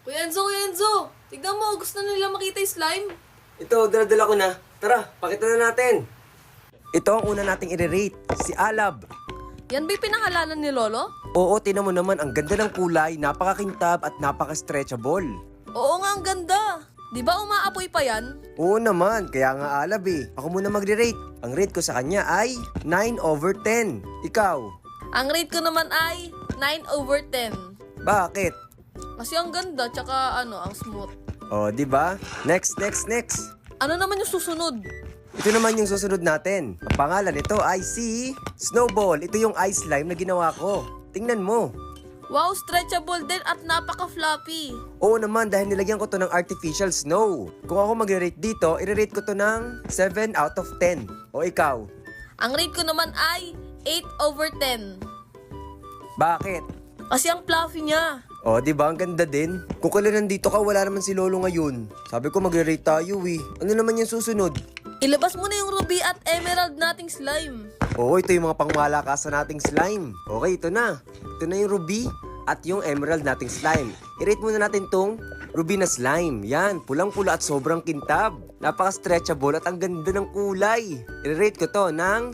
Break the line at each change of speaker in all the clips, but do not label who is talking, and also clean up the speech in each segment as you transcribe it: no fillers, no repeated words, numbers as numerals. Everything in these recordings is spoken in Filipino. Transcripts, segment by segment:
Kuya Enzo, tignan mo, gusto na nila makita yung slime.
Ito, dala-dala ko na. Tara, pakita na natin. Ito ang una nating i-rate, si Alab.
Yan ba'y pinangalanan ni Lolo?
Oo, tinan mo naman, ang ganda ng kulay, napakakintab at napaka-stretchable.
Oo nga, ang ganda. Di ba umaapoy pa yan?
Oo naman, kaya nga Alab eh. Ako muna magre-rate. Ang rate ko sa kanya ay 9/10. Ikaw?
Ang rate ko naman ay 9/10.
Bakit?
Kasi ang ganda, tsaka ang smooth.
Oh, di ba? Next.
Ano naman yung susunod?
Ito naman yung susunod natin. Ang pangalan nito ay si Snowball. Ito yung ice slime na ginawa ko. Tingnan mo.
Wow, stretchable din at napaka-floppy.
Oo naman, dahil nilagyan ko to ng artificial snow. Kung ako magre-rate dito, i-rate ko to ng 7/10. O ikaw?
Ang rate ko naman ay 8/10.
Bakit?
Kasi ang fluffy niya.
O, di ba? Ang ganda din. Kung kailan nandito ka, wala naman si Lolo ngayon. Sabi ko magre-rate tayo eh. Ano naman yung susunod?
Ilabas mo na yung ruby at emerald nating slime.
Oo, ito yung mga pangmalakasan nating slime. Okay, ito na. Ito na yung ruby at yung emerald nating slime. I-rate muna natin tong ruby na slime. Yan, pulang-pula at sobrang kintab. Napaka-stretchable at ang ganda ng kulay. I-rate ko to ng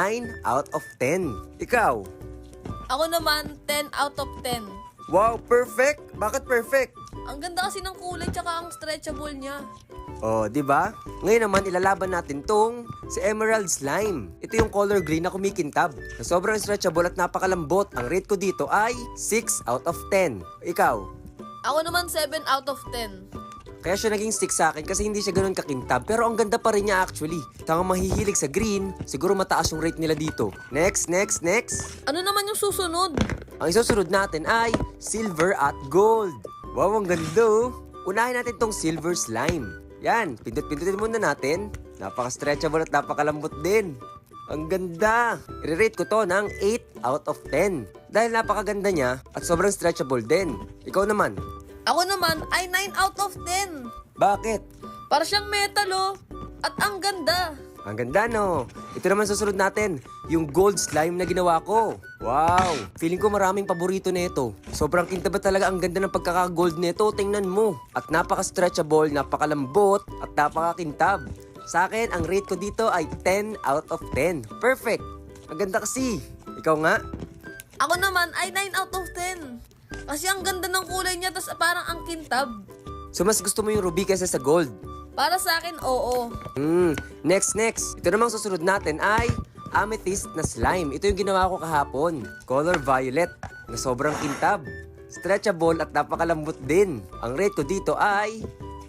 9/10. Ikaw?
Ako naman, 10/10.
Wow, perfect! Bakit perfect?
Ang ganda kasi ng kulay tsaka ang stretchable niya.
Oh, di ba? Ngayon naman ilalaban natin tong si Emerald Slime. Ito yung color green na kumikintab. Na sobrang stretchable at napakalambot. Ang rate ko dito ay 6/10. Ikaw?
Ako naman 7/10.
Kaya siya naging 6 sa akin kasi hindi siya ganoon kakintab. Pero ang ganda pa rin niya actually. Tangang mahihilig sa green, siguro mataas yung rate nila dito. Next.
Ano naman yung susunod?
Ang isusunod natin ay silver at gold. Wow, ang ganda oh. Unahin natin tong silver slime. Yan, pindot-pindutin muna natin. Napaka-stretchable at napakalambot din. Ang ganda! I-rate ko to ng 8/10. Dahil napakaganda niya at sobrang stretchable din. Ikaw naman?
Ako naman ay 9/10.
Bakit?
Para siyang metal oh. At ang ganda.
Ang ganda no? Ito naman susunod natin, yung gold slime na ginawa ko. Wow! Feeling ko maraming paborito nito. Sobrang kinta ba talaga ang ganda ng pagkaka-gold nito? Tingnan mo. At napaka-stretchable, napakalambot, at napakakintab. Sa akin, ang rate ko dito ay 10/10. Perfect! Ang ganda kasi. Ikaw nga?
Ako naman ay 9/10. Kasi ang ganda ng kulay niya tas parang ang kintab.
So mas gusto mo yung ruby kaysa sa gold?
Para sa akin, oo.
Next. Ito namang susunod natin ay amethyst na slime. Ito yung ginawa ko kahapon. Color violet na sobrang kintab. Stretchable at napakalambot din. Ang rate ko dito ay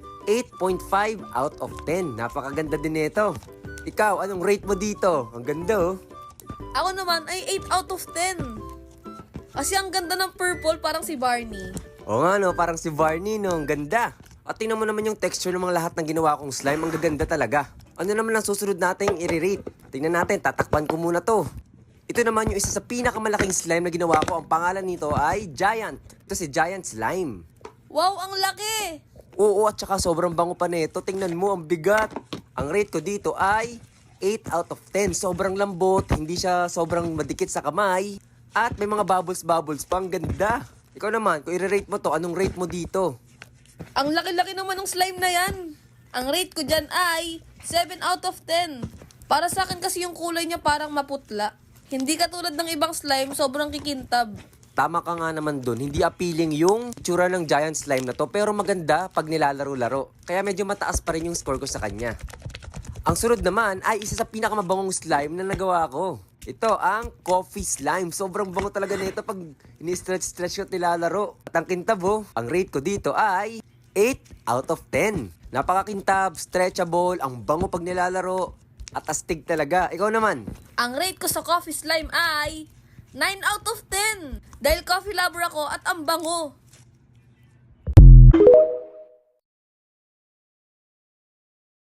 8.5/10. Napakaganda din nito. Ikaw, anong rate mo dito? Ang ganda oh.
Ako naman ay 8/10. Kasi ang ganda ng purple parang si Barney.
Oo nga no, parang si Barney no. Ang ganda. At tingnan mo naman yung texture ng mga lahat ng ginawa kong slime. Ang gaganda talaga. Ano naman ang susunod nating i-rate? Tingnan natin, tatakpan ko muna to. Ito naman yung isa sa pinakamalaking slime na ginawa ko. Ang pangalan nito ay Giant. Ito si Giant Slime.
Wow, ang laki!
Oo, at saka sobrang bango pa nito. Tingnan mo, ang bigat. Ang rate ko dito ay 8/10. Sobrang lambot, hindi siya sobrang madikit sa kamay. At may mga bubbles pa. Ang ganda. Ikaw naman, kung i-rate mo to, anong rate mo dito?
Ang laki-laki naman ng slime na yan. Ang rate ko dyan ay 7/10. Para sa akin kasi yung kulay niya parang maputla. Hindi katulad ng ibang slime, sobrang kikintab.
Tama ka nga naman dun, hindi appealing yung tsura ng giant slime na to, pero maganda pag nilalaro-laro. Kaya medyo mataas pa rin yung score ko sa kanya. Ang sunod naman ay isa sa pinakamabangong slime na nagawa ko. Ito ang coffee slime. Sobrang bango talaga nito pag ini-stretch ko at nilalaro. At ang kintab oh, ang rate ko dito ay 8/10. Napakakintab, stretchable, ang bango pag nilalaro, at astig talaga. Ikaw naman?
Ang rate ko sa coffee slime ay 9/10. Dahil coffee lover ako at ang bango.